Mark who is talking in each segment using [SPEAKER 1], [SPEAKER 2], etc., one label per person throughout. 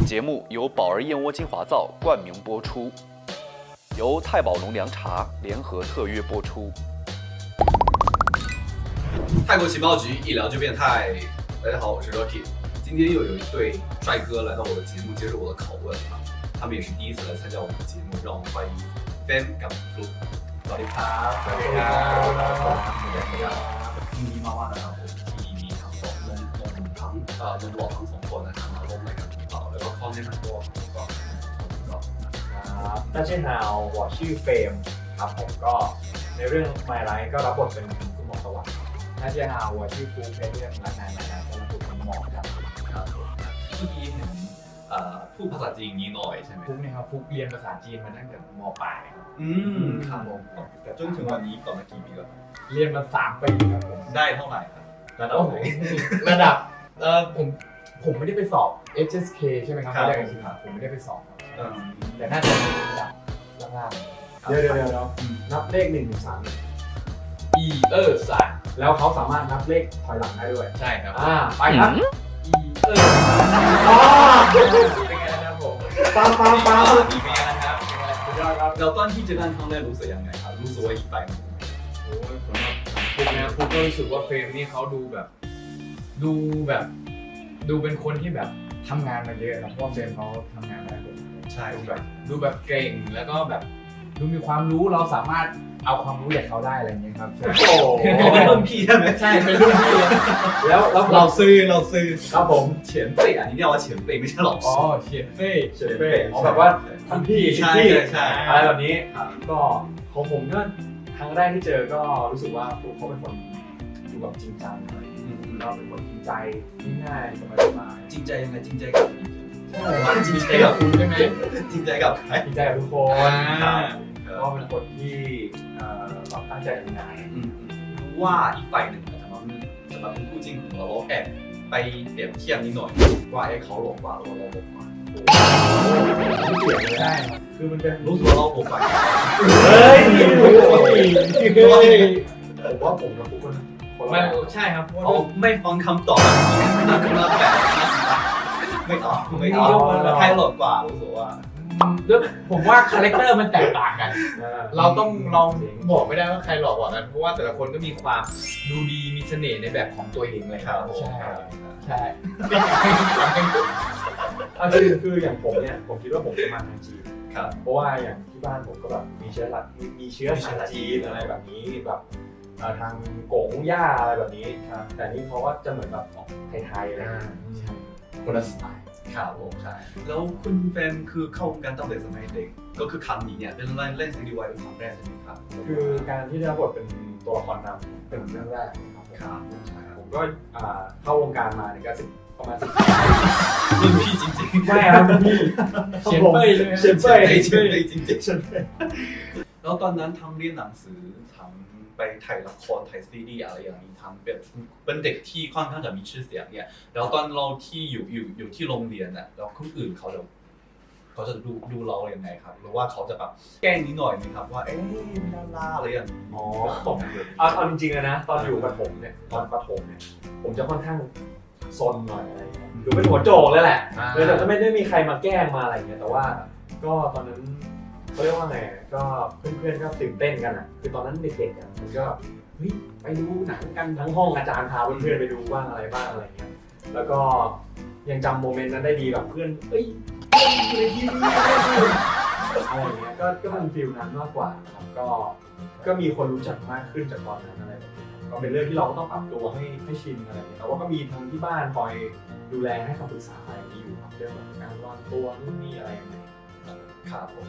[SPEAKER 1] 节目由宝儿燕窝精华皂冠名播出，由太宝农粮茶联合特约播出。
[SPEAKER 2] 泰国情报局一聊就变态。大家好，我是 Rocky。今天又有一对帅哥来到我的节目接受我的拷问啊，他们也是第一次来参加我们的节目，让我们欢迎 Fan กับ Fluke。สวัสดีครับสวัสดีครับยินดีมากๆนะครับผมที่มีทั้งสองหนุ่มหล่อทั้งสองคนนะครับมาร่วมรายการของเราแล้วก็ข้อแนะนำตัวก่อน
[SPEAKER 3] ครับ大家好我ชื่อเฟรมครับผมก็ในเรื่อง My Life ก็รับบทเป็นคุณหมอสวัสดิ์大家好我ชื่อฟุ๊กในเรื่องรักนาย My Life ก็รับบทเป็นหมอครับ
[SPEAKER 2] ครับผมเมื่อกี้เห็นพูดภาษาจีนนี้หน่อยใช่ไหม
[SPEAKER 3] ฟุ๊กเนี่ยครับฟุ๊กเรียนภาษาจีนมาตั้งแต่ม.ปลายครับ
[SPEAKER 2] ครับผมแต่จนถึงวันนี้ต่อมากี่ปีแล้ว
[SPEAKER 3] เรียนมา3 ปีครับผม
[SPEAKER 2] ได้เท่าไหร่ครับระดับไหน
[SPEAKER 3] ระดับผมไม่ได้ไปสอบ HSK ใช่ไหมครับไม่ได้ครับผมไม่ได้ไปสอบแต่น่าจะเป็นระดับล่างๆเดี๋ยวนับเลข1 ถึง 3อีสามแล้วเขาสามารถนับเลขถอยหลังได้ด้วย
[SPEAKER 2] ใช่ครับ
[SPEAKER 3] ไปครับอีเป็นไงนะครับผมปัง
[SPEAKER 2] มีเป็นไงนะครับ
[SPEAKER 3] สุดยอดครับ
[SPEAKER 2] เราตอนที่เจอกันครั้งแรกรู้สึกยังไงครับรู้สึกว่าอีกไป
[SPEAKER 3] โอ้ยผมว่าฟุ๊กนะฟุ๊กก็รู้สึกว่าเฟรมนี่เขาดูเป็นคนที่แบบทำงานมาเยอะครับเพราะว่าเฟรมเขาทำงานมาได้
[SPEAKER 2] ใช่
[SPEAKER 3] ดูแบบเก่งแล้วก็แบบดูมีความรู้เราสามารถเอาความรู้จากเขาได้อะไรอย่างเงี้ยครับ
[SPEAKER 2] โอ้เป็นรุ่นพี่ใช่ไหม
[SPEAKER 3] ใช่เป็นรุ่นพี่แล้ว
[SPEAKER 2] เราซื้อ
[SPEAKER 3] ครับผม
[SPEAKER 2] เฉียนเป้อันนี้เรียกว่าเฉียนเป้ไม่ใช่หรอ
[SPEAKER 3] อ๋อเฉียนเป้แบบว่าท่านพี่
[SPEAKER 2] ใช่
[SPEAKER 3] อะไรแบบนี้ก็ของผมก็ครั้งแรกที่เจอก็รู้สึกว่าเขาเป็นคนดูแบบจริงจังอะไรเราเป็นคนจริงใจง่ายๆสบาย
[SPEAKER 2] ๆจริงใจยังไงจริงใจกับ
[SPEAKER 3] จริงใจกับคุณใช่ไหม
[SPEAKER 2] จริงใจกับใคร
[SPEAKER 3] จริงใจกับทุกคนก็เป็นคนที่เราตั้งใจทำงาน
[SPEAKER 2] รู้ว่าอีกฝ่ายหนึ่งสำหรับเป็นคู่จริงของเราแอบไปเปรียบเทียบนิดหน่อยว่าเขาหลงกว่าเราหลงกว่า
[SPEAKER 3] ไม่เกี่ยวเลยได้คือมันเป็น
[SPEAKER 2] รู้สึกว่าเราหลงกว่า
[SPEAKER 3] เฮ้ยผมว่าผมกับคุณ
[SPEAKER 2] ไม่ใช่ครับเขาไม่ฟังคำตอบนั่นคือมาแบบไม่ตอบใครหลงกว่ารู้สึกว่า
[SPEAKER 3] ผมว่าคาแรคเตอร์มันแตกต่างกัน
[SPEAKER 4] เราต้องลองบอกไม่ได้ว่าใครหลอกกว่ากันเพราะว่าแต่ละคนก็มีความดูดีมีเสน่ห์ในแบบของตัวเองเลยครับ
[SPEAKER 3] ใช่คืออย่างผมเนี่ยผมคิดว่าผมจะมาทางจีนเพราะว่าอย่างที่บ้านผมก็แบบมีเชื้อสายจีนอะไรแบบนี้แบบทางกงย่าอะไรแบบนี้แต่นี่เขาก็จะเหมือนแบบไทยๆอะไรคนละสไตล์
[SPEAKER 2] ครับผมใช่แล้วคุณแฟนคือเข้าวงการตั้งแต่สมัยเด็กก็คือครั้งนี้เนี่ยเป็นเล่นซีรีส์วายเป็นครั้งแรกใช่ไหมครับ
[SPEAKER 3] คือการที่ได้รับบทเป็นตัวละครนำเป็นเรื่องแรกครับผมก็เข้าวงการมาเนี่ยก็ประมาณ10
[SPEAKER 2] รุ่นพี่จริงๆ
[SPEAKER 3] ใช่ครับพี่
[SPEAKER 2] เฉียนเป้ยจริงๆแล้วตอนนั้นทั้งเรียนหนังสือทั้งไปถ่ายละครถ่ายซีรีส์อะไรอย่างนี้ทั้งเป็นเด็กที่ค่อนข้างจะมีชื่อเสียงเนี่ยแล้วตอนเราที่อยู่ที่โรงเรียนน่ะแล้วคนอื่นเขาจะดูเราอย่างไงครับหรือว่าเขาจะแบบแกล้งนิดหน่อยนะครับว่าดาราอะไรอย่างนี้
[SPEAKER 3] เอาจริงๆนะตอนอยู่ประถมเนี่ยผมจะค่อนข้างซนหน่อยอะไรอย่างเงี้ยคือเป็นหัวโจกเลยแหละเลยแต่ไม่ได้มีใครมาแกล้งมาอะไรเงี้ยแต่ว่าก็ตอนนั้นเขาเรียกว่าไงก็เพื่อนๆก็ตื่นเต้นกันอ่ะคือตอนนั้นเด็กๆอ่ะมันก็เฮ้ยไปดูหนังกันทั้งห้องอาจารย์พาเพื่อนๆไปดูบ้างอะไรบ้างอะไรเงี้ยแล้วก็ยังจำโมเมนต์นั้นได้ดีแบบเพื่อนอยู่ในทีวีอะไรเงี้ยก็เป็นฟีลนั้นมากกว่าครับก็มีคนรู้จักมากขึ้นจากตอนนั้นอะไรแบบนี้ก็เป็นเรื่องที่เราต้องปรับตัวให้ชินอะไรอย่างเงี้ยแต่ว่าก็มีทางที่บ้านคอยดูแลให้คำปรึกษาอะไรอย่างนี้อยู่ครับเรื่องแบบการวางตัวนู่นนี่อะไรอย่างเงี้ย
[SPEAKER 2] ครับผม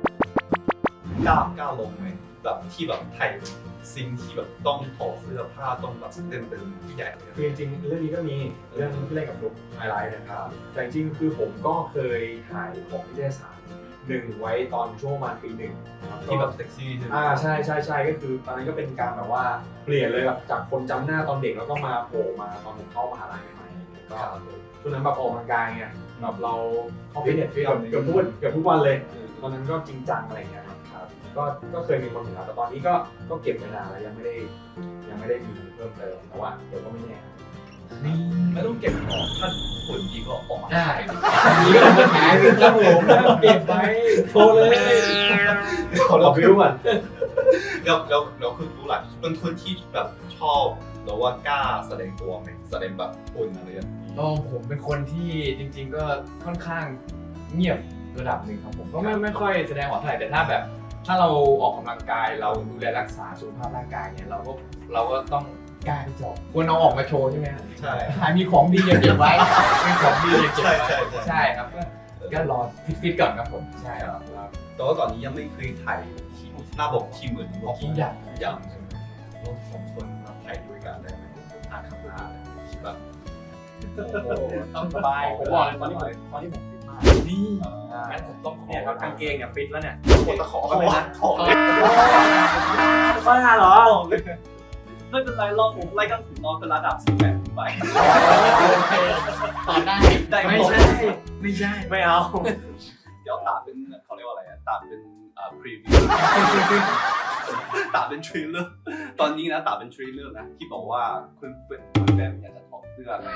[SPEAKER 2] กล้าลงไหมแบบที่แบบไทยซิงที่แบบต้องถอดเสื้อผ้าต้องแบบเต็มที่ใหญ่
[SPEAKER 3] คือจริงๆเรื่องนี้ก็มีเรื่องที่เล่นกับฟลุ๊กไฮไลท์นะครับแต่จริงๆคือผมก็เคยถ่ายของนิตยสาร1ไว้ตอนช่วงประมาณปี 1
[SPEAKER 2] ที่แบบเซ็กซี่ใช่ไหม
[SPEAKER 3] ใช่ก็คือตอนนั้นก็เป็นการแบบว่าเปลี่ยนเลยแบบจากคนจำหน้าตอนเด็กแล้วก็มาโผล่มาตอนผมเข้ามหาลัยใหม่ๆก็ช่วงนั้นแบบออกกำลังกายไงแบบเราเข้าฟิตเนสเกือบทุกวันเลยตอนนั้นก็จริงจังอะไรเงี้ยครับก็เคยมีคนเห็นแล้วแต่ตอนนี้ก็เก็บไว้นานแล้วยังไม่ได้มีเพิ่มเติมแต่ว่าเดี๋ยวก็ไม่แน่
[SPEAKER 2] ไม่ต้องเก็บของถ้าฝุ่นดีก็ออกมา
[SPEAKER 4] ได้
[SPEAKER 2] ขาย
[SPEAKER 4] มีก็มาขายครับผมแล้วเก็บไว้โทรเลย
[SPEAKER 3] เราบิวก่อน
[SPEAKER 2] แล้วคุณรู้หลักเป็นคนที่แบบชอบหรือว่ากล้าแสดงตัวไหมแสดงแบบฝุ่นอะไรอย่างนี้
[SPEAKER 4] ผมเป็นคนที่จริงๆก็ค่อนข้างเงียบระดับหนึ่งครับผมก็ไม่ค่อยแสดงออกเท่าไหร่แต่ถ้าแบบถ้าเราออกกำลังกายเราดูแลรักษาสุขภาพร่างกายเนี่ยเราก็ต้องกล้าที่จะควรเอาออกมาโชว์ใช่ไหมครับ
[SPEAKER 2] ใช่
[SPEAKER 4] หามีของดีอย่าเก็บไว้มีของดีอย่าเก็บไว้
[SPEAKER 2] ใช่
[SPEAKER 4] ใช่ครับก็รอฟิตๆก่อนครับผมใช่ครับ
[SPEAKER 2] แต่ว่าตอนนี้ยังไม่เคยถ่ายที่หน้าบอกที่เหมือน
[SPEAKER 4] ของทุกอย่าง
[SPEAKER 2] อย่างเราสองคนมาถ่ายด้วยกันได้ไหมถ่ายข้างหน้าแบบ
[SPEAKER 4] ต้องสบาย
[SPEAKER 3] ผมบอกเลยตอนนี้ผมฟิตมาก
[SPEAKER 4] นี่
[SPEAKER 3] งั้นผมต้องขอครับกางเกงเนี่ยฟิตแล้วเนี่ย
[SPEAKER 2] คนตะขอก็เลยนะขอ
[SPEAKER 3] บ้าเหรอ
[SPEAKER 5] ไม่เป็นไรรอบผมไล่กันถึงนอนเป็นระดับ18ขึ้นไป
[SPEAKER 4] โอเคต่อได้
[SPEAKER 5] ได้
[SPEAKER 4] ไม่ใช่
[SPEAKER 3] ไม่เอา
[SPEAKER 2] เดี๋ยวตัดเป็นเขาเรียกว่าอะไรตัดเป็นพรีวิวตัดเป็นทริลเลอร์ตอนนี้นะตัดเป็นทริลเลอร์นะที่บอกว่าคุณแบมอยากจะถอดเสื้ออะไร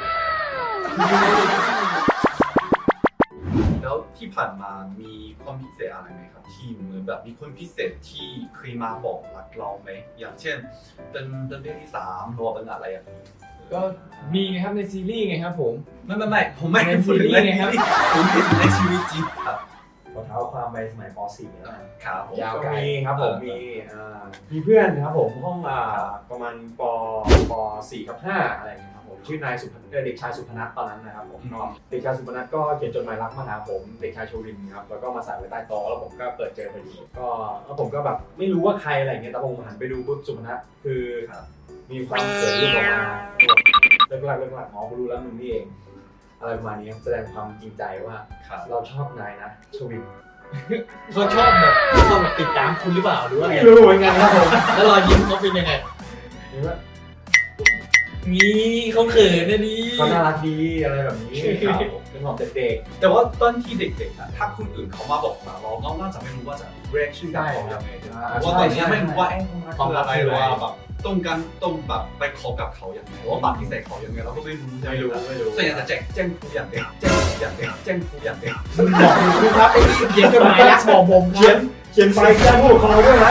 [SPEAKER 2] แล้วที่ผ่านมามีความพิเศษอะไรไหมครับที่เหมือนแบบมีคนพิเศษที่เคยมาบอกรักเราไหมอย่างเช่นเป็นเพศที่3หรือว่าเป็นอะไรอย่างนี้
[SPEAKER 4] ก็มีไงครับในซีรีส์ไงครับผม
[SPEAKER 2] ไม่ผมไม่ได้พูดถึงในซีรีส์ผมเห็นในชีวิตจริงครับ
[SPEAKER 3] ขอเท้าความไปสมัยป .4 แล้วกัน
[SPEAKER 2] ครับผม
[SPEAKER 4] ยาว
[SPEAKER 3] ก็มีครับผมมีเพื่อนครับผมห้องประมาณป .4 กับ 5 อะไรอย่างเงี้ยครับผมชื่อนายเด็กชายสุพนัทตอนนั้นนะครับผมก็เด็กชายสุพนัทก็เขียนจดหมายรักมาหาผมเด็กชายโชรินครับแล้วก็มาใส่ไว้ใต้โต๊ะแล้วผมก็เปิดเจอพอดีก็แล้วผมก็แบบไม่รู้ว่าใครอะไรอย่างเงี้ยแต่ผมหันไปดูปุ๊บสุพนัทคือมีความเขินรุ่นออกมาเลิกลักอ๋อกูรู้แล้วมึงนี่เองอะไรประมาณนี้แสดงความจริงใจว่าเราชอบนายนะชวิน
[SPEAKER 4] เขาชอบแบบติดตามคุณหรือเปล่าหรือว่าไง
[SPEAKER 3] ไม่รู้เหมือนกันครับผม
[SPEAKER 4] แล้วรอยยิ้มเขาเป็นยังไง
[SPEAKER 3] หรือว่า
[SPEAKER 4] นี่เขาเขินนะนี่
[SPEAKER 3] เขาน่ารักดีอะไรแบบนี้ครับผมเป็นของเด็ก
[SPEAKER 2] แต่ว่าตอนที่เด็กๆอะถ้าคนอื่นเขามาบอกเราน่าจะไม่รู้ว่าจะเรียกชื่อกันเขายังไงเพราะว่าตอนนี้ไม่รู้ว่าเขาคืออะไรหรือว่าแบบต้องแบบไปคบกับเขาอย่างไรหรือว่าปฏิเสธเขาอย่างไรเราก็ไม่รู้
[SPEAKER 3] ไม่รู้
[SPEAKER 2] ส่วนใหญ่จะแจ้งผู้อย่างเดียวแจ้งผู้อย่างเดียวแจ้งผู้อย่างเดียว
[SPEAKER 4] บอกคุณครับไอ้นี่เขียนจดหมายรักบอกผมค
[SPEAKER 3] เขีย
[SPEAKER 4] รับ
[SPEAKER 3] นไปแจ้งผู้ปกครองด้วยนะ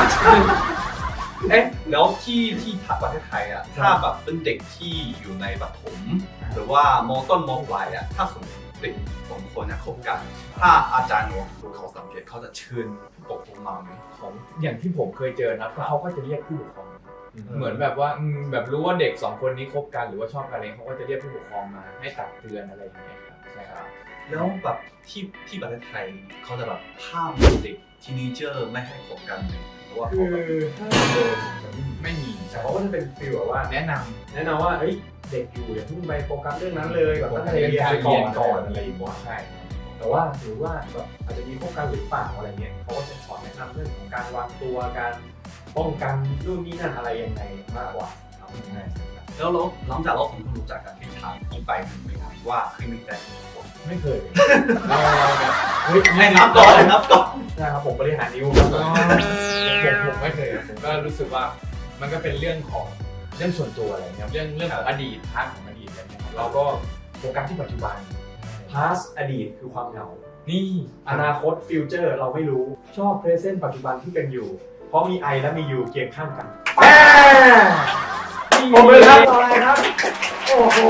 [SPEAKER 2] แล้วที่ประเทศไทยอะถ้าแบบเป็นเด็กที่อยู่ในประถมหรือว่ามต้นมปลายอะถ้าสมมติเด็ก2 คนคบกันถ้าอาจารย์เขาสังเกตเขาจะเชิญผู้ปกครองมาไหม
[SPEAKER 4] ของอย่างที่ผมเคยเจอนะเขาก็จะเรียกผู้ปกครองเหมือนแบบว่าแบบรู้ว่าเด็ก2 คนนี้คบกันหรือว่าชอบกันอะไรเขาก็จะเรียกผู้ปกครองมาให้ตักเตือนอะไรอย่างเงี้ยครับใช่ครับ
[SPEAKER 2] แล้วแบบที่ประเทศไทยเขาจะแบบห้ามเด็กทีนีเจอร์ไม่ให้คบกันหรือว่า
[SPEAKER 3] คื
[SPEAKER 2] เขา
[SPEAKER 3] อ
[SPEAKER 2] แบบ
[SPEAKER 3] ถ้าโดน
[SPEAKER 4] ไม่มี
[SPEAKER 3] แต่เขาก็จะเป็นฟีลแบบว่า
[SPEAKER 4] แนะน
[SPEAKER 3] แนะนำว่าเฮ้ยเด็กอยู่อย่าเพิ่งไปโฟกัสเรื่องนั้นเลยแบบตั้งใจเรียนก่อนอะไรอย่างเงี้ย
[SPEAKER 4] ำใช่
[SPEAKER 3] แต่ว่าหรือว่าแบบอาจจะมีพวกการหรือเปล่าอะไรเงี้ยเขาก็จะสอนแนะนำเรื่องของการวางตัวการป้องกันนู่นนี่นั่นอะไรยังไงมากกว่าครับใช่
[SPEAKER 2] แล้วหลังจากเราสองคนรู้จักกันที่ถามอีกไปหนึ่งไหมครับว่าเคยมีแฟนกี่คน
[SPEAKER 3] ไม่เคยเราแบบเฮ้ย
[SPEAKER 2] ให้นับก่อน
[SPEAKER 3] ใช่ครับผมบริหารนิ้วครับ
[SPEAKER 4] ผมไม่เคยผมก็รู้สึกว่ามันก็เป็นเรื่องของเรื่องส่วนตัวอะไรเงี้ยเรื่องของอดีตพาร์ทของอดีตอะไรเงี้ยเราก็โฟกัสที่ปัจจุบัน
[SPEAKER 3] past อดีตคือความเหงา
[SPEAKER 4] นี่
[SPEAKER 3] อนาคตฟิวเจอร์เราไม่รู้ชอบ present ปัจจุบันที่เป็นอยู่ เพราะมีไอและมียูเคียงข้างกันผมเลยครับต่อเลยครับโอ้โห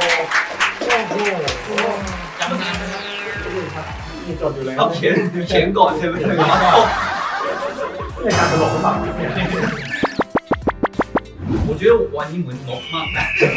[SPEAKER 4] จำนานไหมครับ
[SPEAKER 3] มีจดอยู่เลย
[SPEAKER 2] ต้องเขียนก่อนใช่ไหม
[SPEAKER 3] ในการตลกหรือเปล่าเนี่ย
[SPEAKER 2] 我觉得วันนี้เหมือนนกมากนะ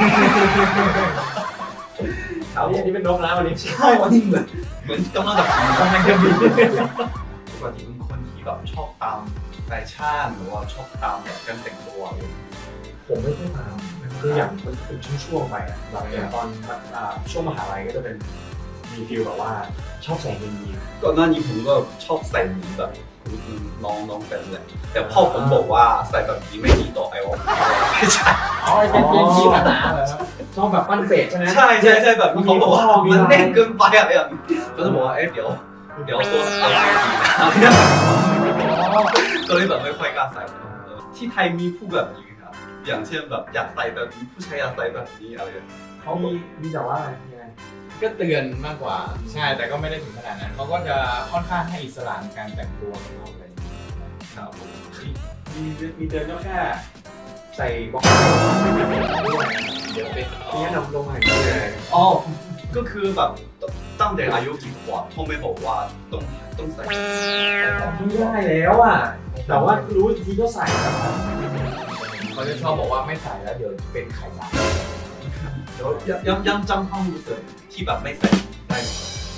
[SPEAKER 3] อันนี้เป็นนกนะวันนี้
[SPEAKER 2] ใช่วันนี้เหมือนกำลังจะบิน
[SPEAKER 3] กำลังจะบิน
[SPEAKER 2] ปกติเป็นคนที่แบบชอบตามแฟชั่นหรือว่าชอบตามแบบการแต่งตัวอะไรอย่างเงี้ย
[SPEAKER 3] ผมไม่ค่อยตามคืออย่างมันเป็นช่วงๆไปอ่ะแบบอย่างตอนช่วงมหาลัยก็จะเป็นมีฟิลแบบว่าชอบใส่เงินยีน
[SPEAKER 2] ก่อนหน้านี้ผมก็ชอบใส่หมีแบบน้องเป็นเลยแต่พ่อผมบอกว่าใส่แบบนี้ไม่ดีต่อไอวอลไม่ใช่
[SPEAKER 4] อ๋อเป็นที่ปัญหาเหรอครับ
[SPEAKER 3] ชอบแบบปั้นเศษใช่ไหม
[SPEAKER 2] ใช่แบบนี้เขาบอกว่ามันแน่นเกินไปอะไรอย่างนี้ก็จะบอกว่าเดี๋ยวตัวดีนะก็เลยแบบไม่ค่อยกล้าใส่ที่ไทยมีผู้แบบนี้ครับอย่างเช่นแบบอยากใส่แบบนี้ผู้ชายอยากใส่แบบนี้อะไรอย่างเงี้ย
[SPEAKER 3] เขามีแต่ว่าอะไรยังไง
[SPEAKER 4] ก็เตือนมากกว่าใช่แต่ก็ไม่ได้ถึงขนาดนั้นเขาก็จะค่อนข้างให้อิสระในการแต่งตัวของเราอะไรอย่างเงี้ย
[SPEAKER 2] ครับผม
[SPEAKER 3] มีเดินก็แค่ใส่บ็อก
[SPEAKER 4] เดี๋ยวเป็น
[SPEAKER 3] เนี้ยนำลงมาอย่างนี้เลย
[SPEAKER 2] อ๋อก็คือแบบตั้งแต่อายุกี่ขวบทงไม่บอกว่าต้องใส่
[SPEAKER 3] ไม่ได้แล้วอ่ะแต่ว่ารู้อีกทีก็ใส่แล้ว
[SPEAKER 4] เขาจะชอบบอกว่าไม่ใส่แล้วเดี๋ยวเป็นไข่ดาว
[SPEAKER 2] เดี๋ยวยังจำความรู้สึกที่แบบไม่ใส่ได้ไหม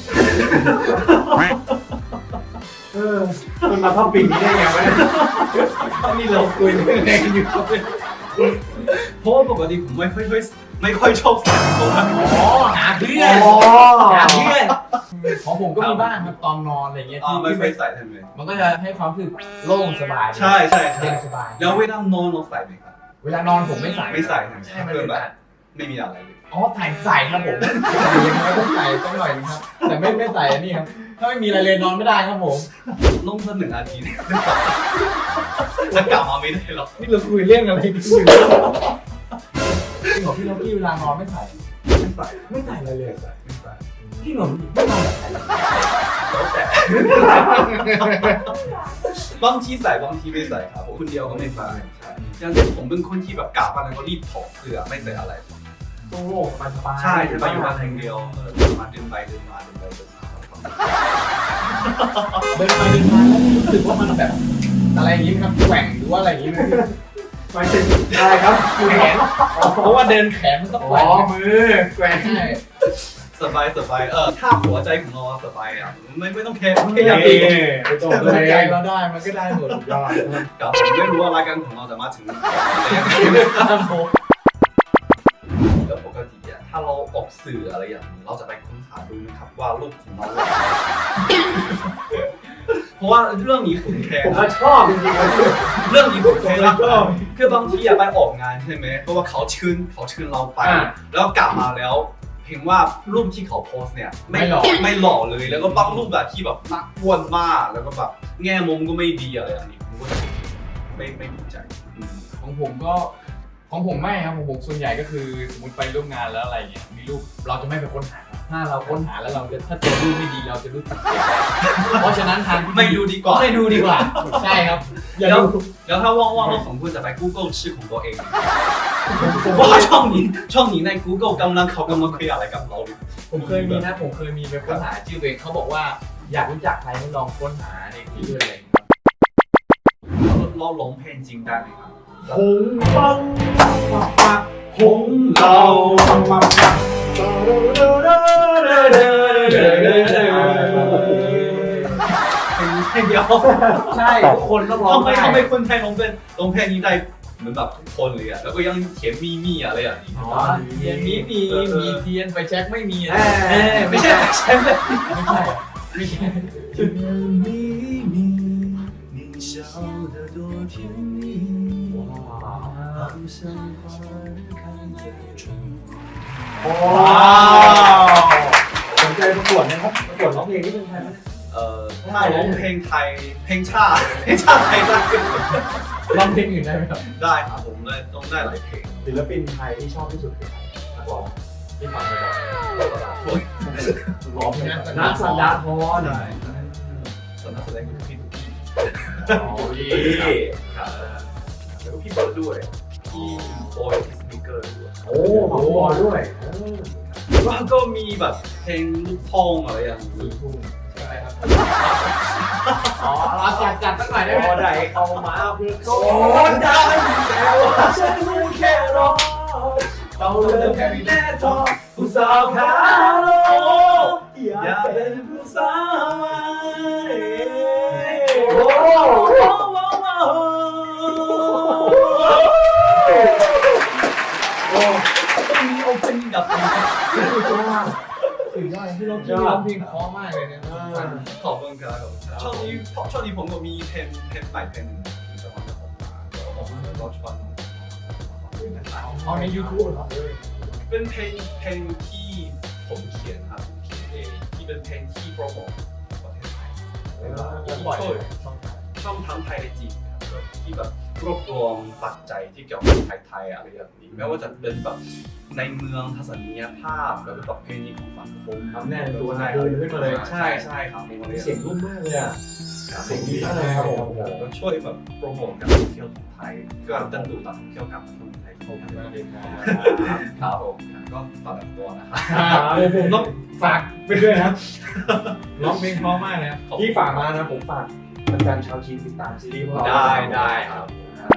[SPEAKER 3] มันมาเข้าปีนี้ได้ไงวะ
[SPEAKER 4] นี่เราคุยเรื่องอะไรกันอยู่
[SPEAKER 2] เพราะว่าปกติผมไม่ค่อยชอบใส่ตัวนะ
[SPEAKER 4] อ๋อหาเพื่อน
[SPEAKER 3] อ๋อ
[SPEAKER 4] หาเพื่อนของผมก็มีบ้างครับตอนนอนอะไรเงี้ย
[SPEAKER 2] อ๋อ
[SPEAKER 4] ที่
[SPEAKER 2] ไม่ค่อยใส่ใช่ไหม
[SPEAKER 4] มันก็จะให้ความรู้สึกโล่งสบาย
[SPEAKER 2] ใช่
[SPEAKER 4] เย็นสบาย
[SPEAKER 2] แล้วเวลานอนเราใส่ไหมครับ
[SPEAKER 4] เวลานอนผมไม่ใส่
[SPEAKER 2] ไม่ใส่
[SPEAKER 4] ใช่มัน
[SPEAKER 2] เพื่
[SPEAKER 4] เป็
[SPEAKER 2] อน
[SPEAKER 4] น
[SPEAKER 2] แบ
[SPEAKER 4] แบบ บ
[SPEAKER 2] ไม่มีอะไรเลย
[SPEAKER 4] อ๋อใส่ครับผมยังไงต้องใส่ต้องหน่อยนึงครับ แต่ไม่ใส่อันนี้ครับถ้าไม่มีอะไรเลยนอนไม่ได้ครับผม
[SPEAKER 2] ลงสัก1 อาทิตย์จะกลับมาไม่ได้หรอก
[SPEAKER 4] นี่เราคุยเรื่องอะไรกันอยู่จริงเหรอพี่ล็อกกี้เวลานอนไม่ใส่
[SPEAKER 2] ไม่ใส่
[SPEAKER 4] ไม่ใส่อะไรเลย
[SPEAKER 2] ไม่ใส่
[SPEAKER 4] พี่เหรอไม่นอนแบบไหน
[SPEAKER 2] แล้วแต่บางทีใส่บางทีไม่ใส่ครับผมคนเดียวก็ไม่ใส่ใช่อย่างเช่นผมเป็นคนที่แบบกลับมาแล้วก็รีบถอดเสื้อไม่ใส่อะไร
[SPEAKER 3] โล่งสบาย
[SPEAKER 2] ใช่จะไปอยู่บ้านคนเดียวมาเดินไปเดินมาเดินไปเดินมา
[SPEAKER 4] เดินไปเดินมาแล้วรู้สึกว่ามันแบบอะไรอย่างนี้ไหมครับแกว่งหรือว่าอะไรอย่างนี้ไหม
[SPEAKER 3] หมายถึงอะไรครับ
[SPEAKER 4] แขนเพราะว่าเดินแขนมันต้องแกว่ง
[SPEAKER 3] มือแกว่ง
[SPEAKER 4] ใช่
[SPEAKER 2] สบายถ้าหัวใจของเราสบายอ่ะไม่ต้องแคร์
[SPEAKER 3] ไม่
[SPEAKER 2] แค่
[SPEAKER 3] อ
[SPEAKER 2] อยาก
[SPEAKER 3] า
[SPEAKER 2] ดี
[SPEAKER 3] ไปตรง
[SPEAKER 4] ถ้า
[SPEAKER 3] เล
[SPEAKER 4] ใจ
[SPEAKER 3] ย
[SPEAKER 4] เราได้มันก็ได้หมดยอด
[SPEAKER 2] กับผมไม่รู้ว่ารายการของเราจะมาถึงอะไรยังไง
[SPEAKER 4] ครับผม
[SPEAKER 2] แล้วปกติอ่ะถ้าเราออกสื่ออะไรอย่างนี้เราจะไปค้นหาดูนะครับว่ารูปของเราเพราะว่าเรื่องนี้ผมแคร์
[SPEAKER 3] ผม
[SPEAKER 2] นะ
[SPEAKER 3] ก็ชอบจริงๆเลย
[SPEAKER 2] เรื่องนี้ผมแคร์นะคือบางทีอะไปออกงานใช่ไหมเพราะว่าเขาเชิญเราไป แล้วกลับมาแล้วเห็นว่ารูปที่เขาโพสเนี่ยไม่หล่อเลยแล้วก็บางรูปแบบที่แบบน่าอ้วนมากแล้วก็แบบแง่มุมก็ไม่ดีอะไรอย่างนี้ผมก็ไม่ถูกใจ
[SPEAKER 4] ของผมก็ของผมไม่ครับของผมส่วนใหญ่ก็คือสมมติไปร่วมงานแล้วอะไรเงี้ยมีรูปเราจะไม่ไปค้นหาครับถ้าเราค้นหาแล้วเราจะถ้าเจอรูปไม่ดีเราจะรู้สึกเสียใจเพราะฉะนั้นทาง
[SPEAKER 2] ไม่ดูดีกว่า
[SPEAKER 4] ไม่ดูดีกว่าใช่ครับอย่า
[SPEAKER 2] แล้ว
[SPEAKER 4] ดู
[SPEAKER 2] แล้วถ้าว่างๆเราสองคนจะไป Google ชื่อของตัวเองผมว่าช่องนี้ใน Google เขากำลังคุยอะไรกับเราอยู่
[SPEAKER 4] ผมเคยมีนะผมเคยมีไปค้นหาชื่อตัวเองเขาบอกว่าอยากรู้จักใครให้ลองค้นหาในที่ด้วยอะไรอย่างเงี้ย
[SPEAKER 2] เราร้องเพลงจริงได้ไหมครับ
[SPEAKER 3] หงปังปักปักหงเราปังปักปัก
[SPEAKER 2] เพลงเดียว
[SPEAKER 4] ใช่ทุกคนต้องร้อง
[SPEAKER 2] ทำไม
[SPEAKER 4] ได้
[SPEAKER 2] คนไทยร้องเพลงนี้ได้เหมือนแบบทุกคนเลยอ่ะแล้วก็ยังเขียนมีอะไรอย่างนี้
[SPEAKER 4] อ๋อเทียนมีเทียนไฟแช็กไม่มีนะ
[SPEAKER 2] ไม่ใช่ใช่ไหม
[SPEAKER 4] ไม่ใช่ไม่ใช่
[SPEAKER 2] 你笑得多甜蜜，好像花儿开在春。
[SPEAKER 3] ว้าวสนใจประกวดนะครับประกวดร้องเพลงที่เป็นไทยไหม
[SPEAKER 2] ถ้าร้องเพลงไทยเพลงชาติไทยได้
[SPEAKER 4] ร้องเพลงอื่นได้ไหมครับ
[SPEAKER 2] ได้ครับผมได้ต้องได้หลายเพลง
[SPEAKER 3] ศิลปินไทยที่ชอบที่สุดคือใครนักร้องที่ฟังบ่อย
[SPEAKER 4] ร้องเพลง
[SPEAKER 3] ๆนักสันดาทร
[SPEAKER 2] ใช่ส่วนนักแสดงคือพี่ตุ๊กกี้
[SPEAKER 3] อ๋อดี
[SPEAKER 2] ครับแล้วก็พี่เบิร์ดด้วยพี่บอยสปีกเกอร์ด้วย
[SPEAKER 3] โอ้ของบอลด้วย
[SPEAKER 2] แล้วก็มีแบบเพลงลูกทุ่งอะไรอย่างนี้
[SPEAKER 4] ทุ่งใช่ไหมครับอ๋อเราจัดสักหน่อยได้ไหม
[SPEAKER 3] พอได้เข้ามาเพื่อโอ้ได้แต่ว่าฉันไม่แค่รอเราเลิกแค่แน่ทอผู้สาวขาโลอยากเป็นผู้สาวใหม่โอ้
[SPEAKER 2] ต้องมีโอเพนดับ
[SPEAKER 4] สุดยอดที่เราร้องเพลงเพราะมากเลยเนี่ย
[SPEAKER 2] ขอบคุณครับช่วงนี้ผมก็มีเพลงใหม่เพลงหนึ่งจะมาออกมาแล้วก็ชวนนะครับ
[SPEAKER 4] เอาใน YouTube เหรอ
[SPEAKER 2] เป็นเพลงที่ผมเขียนครับเขียนเองที่เป็นเพลงที่โปรโมทประเทศไทย
[SPEAKER 3] ปล่อยเลย
[SPEAKER 2] ช่องทางไทยได้จีนครับที่แบบรวบรวมปัจจัยที่เกี่ยวกับไทยๆอะไรแบบนี้ไม่ว่าจะเป็นแบบในเมืองทัศนียภาพแล้วก็ประเพณีของสังคม
[SPEAKER 3] ทำแน่นตัวเดินขึ้นมาเลย
[SPEAKER 2] ใช่ใช่ครับ
[SPEAKER 3] เสียงนุ่มมากเลยอ่ะเสียงดีมากเลยครับผม
[SPEAKER 2] ก็ช่วยแบบโปรโมทการท่องเที่ยวของไทยก็ดึงดูดนักท่องเที่ยวกลับมาท่องไทยเข้ามาครับผมก็ฝากตัวนะครับ
[SPEAKER 3] ผมต้องฝากไปด้วยนะครับ
[SPEAKER 4] ร้องเพลงเพราะมากนะครับ
[SPEAKER 3] ที่ฝากมานะผมฝากแฟนๆชาวจีนติดตามซีรีส์พวกเรา
[SPEAKER 2] ได้ครับ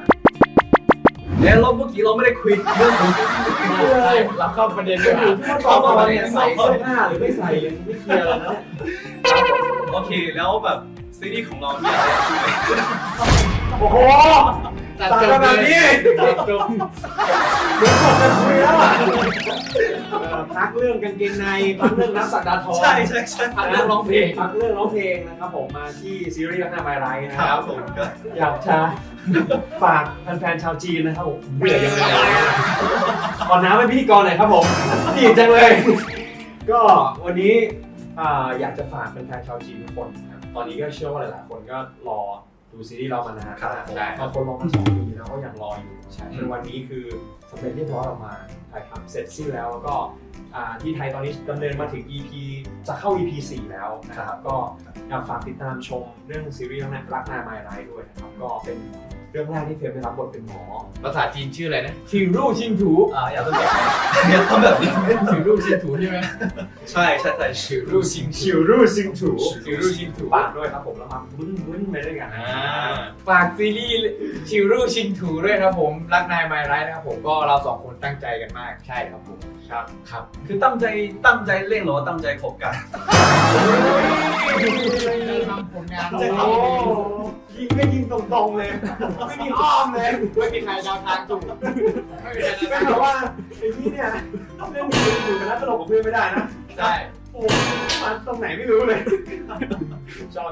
[SPEAKER 2] แล้วเมื่อกี้เราไม่ได้คุยเรื่องของซีรีส์เลย
[SPEAKER 4] เราเข้าประเด็นด้วย
[SPEAKER 3] อยู่ที่ว่าตอนมาเนี่ยใส่เสื้อผ้าหรือไม่ใส่ยังไม่เคลียร์เลยนะ
[SPEAKER 2] โอเคแล้วแบบซีรีส์ของเราเนี่ยอะไรที่ไหน
[SPEAKER 3] โอ้โห
[SPEAKER 4] ตัด
[SPEAKER 3] ต่าง
[SPEAKER 4] จ
[SPEAKER 3] กัน
[SPEAKER 4] บ
[SPEAKER 3] แบบ
[SPEAKER 4] เลย
[SPEAKER 3] นี้
[SPEAKER 4] ตัดจบ
[SPEAKER 3] เดี๋ยวผมจะคุยแล้วอ่ะพักเรื่องกางเกงในพักเรื่องนักสัตดาทอง
[SPEAKER 2] ใช่
[SPEAKER 3] พักเรื่องร้องเพลงพักเรื่องร้องเพลงนะครับผมมาที่ซีรีส์รักนาไมไรนะ
[SPEAKER 2] ค
[SPEAKER 3] ค
[SPEAKER 2] รั
[SPEAKER 3] รั
[SPEAKER 2] บบ ผมก็
[SPEAKER 3] อยากจะฝากแฟนๆชาวจีนนะครับผมเบื่อยังไงขอน้ำเป็นพิธีกรหน่อยครับผมดีจังเลย ก็วันนี้อยากจะฝากแฟนๆชาวจีนทุกคนนะครับตอนนี้ก็เชื่อว่าหลายๆคนก็รอดูซีรีส์เรามานาน
[SPEAKER 2] ครับ
[SPEAKER 3] บางคนรอมา2 ปีแล้วก็ยังรออยู่จนวันนี้คือสำเร็จเรียบร้อยออกมาถ่ายทำเสร็จสิ้นแล้วแล้วก็ที่ไทยตอนนี้ดำเนินมาถึง EP จะเข้า EP 4 แล้วนะครับก็อยากฝากติดตามชมเรื่องซีรีส์รักนาไมไรด้วยนะครับก็เป็นเรื่องแรกที่เฟรมได้รับบทเป็นหมอ
[SPEAKER 4] ภาษาจีนชื่ออะไรนะชิงรู่ชิงถู
[SPEAKER 2] อย่าทำแบบนี้อย่าทำแบบนี้
[SPEAKER 4] ชิงรู่ชิงถูใช่ไหม
[SPEAKER 2] ใช่
[SPEAKER 4] ชิงรู่ชิง
[SPEAKER 3] ชิวรู่ซิงถู
[SPEAKER 4] ชิงรู่ชิงถู
[SPEAKER 3] ฝากด้วยครับผมแล้วมาวุ้นไปด้วยกันนะ
[SPEAKER 4] ฝากซีรีส์ชิงรู่ชิงถูด้วยครับผมรักนายไมไรนะครับผมก็เรา2 คนตั้งใจกันมากใช่ครับผมครับ
[SPEAKER 2] คือตั้งใจเล่นหรือว่าตั้งใจคบกัน
[SPEAKER 4] ทำผลงาน
[SPEAKER 3] โอ้โหยิงก็ยิงตรงๆเลยไม่มีอ้อมเลย
[SPEAKER 4] ไม่มีใครเดาทางถูกไม่มีใคร
[SPEAKER 3] ไม่
[SPEAKER 4] เดาทาง
[SPEAKER 3] แบ
[SPEAKER 4] ถู
[SPEAKER 3] บ
[SPEAKER 4] ก
[SPEAKER 3] ว่าไอ้ที่เนี่ยเล่นอยู่กันแล้วตลกกับเพื่อนไม่ได้นะ
[SPEAKER 4] ใช่
[SPEAKER 3] โอ้มันตรงไหนไม่รู้เลยชอบ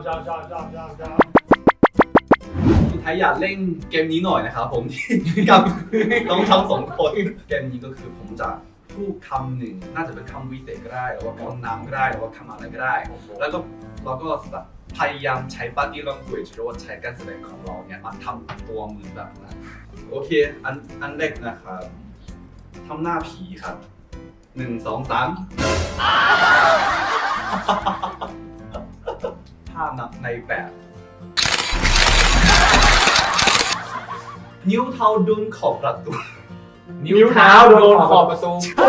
[SPEAKER 2] สุดท้ายอยากเล่นเกมนี้หน่อยนะครับผมกับน้องทั้ง2 คนเกมนี้ก็คือผมจะพูดคำหนึ่งน่าจะเป็นคำวิเศษก็ได้หรือว่าคำนามก็ได้หรือว่าคำอะไรก็ได้ แล้วก็เราก็พยายามใช้ body language หรือว่าใช้การแสดงของเราเนี่ยมาทำตัวเหมือนแบบนั้นโอเคอันแรกนะครับทำหน้าผีครับ1 2 3ถ้านับในแบบนิ้วเท้าโดนขอบประตู
[SPEAKER 4] นิ้วเท้าโดนขอบประตู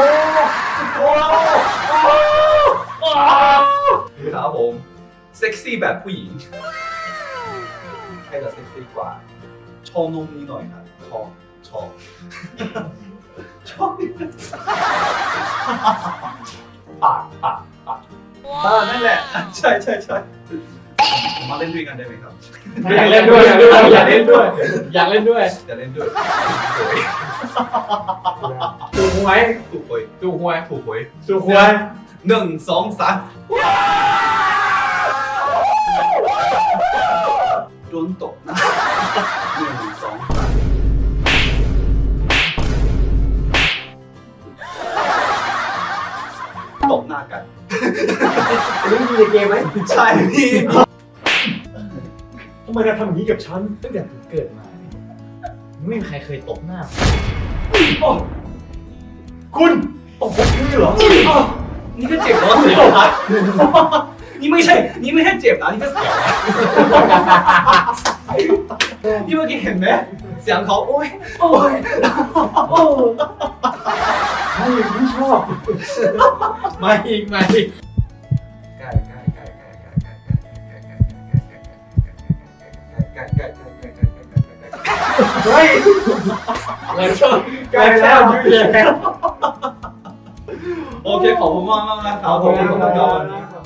[SPEAKER 2] ครับผมเซ็กซี่แบบผู้หญิงใครจะเซ็กซี่กว่าโชว์นมนี้หน่อยครับชอบปากนั่นแหละใช่ผมมาเล่นด้วยกันได้ไหมครับ
[SPEAKER 3] อยากเล่นด้วยอยากเล่นด้วย
[SPEAKER 4] อยากเล่นด้วย
[SPEAKER 2] จะเล่นด้วย
[SPEAKER 3] ถูกหวย
[SPEAKER 2] ถูกหวย
[SPEAKER 4] ดูหวย
[SPEAKER 2] ถูกหวย
[SPEAKER 3] ถูกหวย
[SPEAKER 2] 1 2 3โดนตกนะ1 2 3ตบหน้ากัน
[SPEAKER 3] อันนี้มีในเกมไหม
[SPEAKER 2] ใช่พี่
[SPEAKER 3] ทำไมเราทำอย่างนี้กับฉัน
[SPEAKER 4] ตั้งแต่ผมเกิดมาเนี่ยไม่มีใครเคยตบหน้า
[SPEAKER 3] คุณตบผมคือเหรอ
[SPEAKER 2] นี่ก็เจ็บแล้วเสียวนะนี่ไม่ใช่เจ็บนะนี่ก็เสียวนะนี่เมื่อกี้เห็นไหมเสียงเขาโอ้ย
[SPEAKER 3] ไม่ชอบ
[SPEAKER 4] มาอีก
[SPEAKER 3] เฮ้ย
[SPEAKER 4] แล้วก็
[SPEAKER 3] ไกลแล้วยืดแล้ว
[SPEAKER 2] โอเคขอบคุณมากนะครับ
[SPEAKER 3] ขอบคุณครับ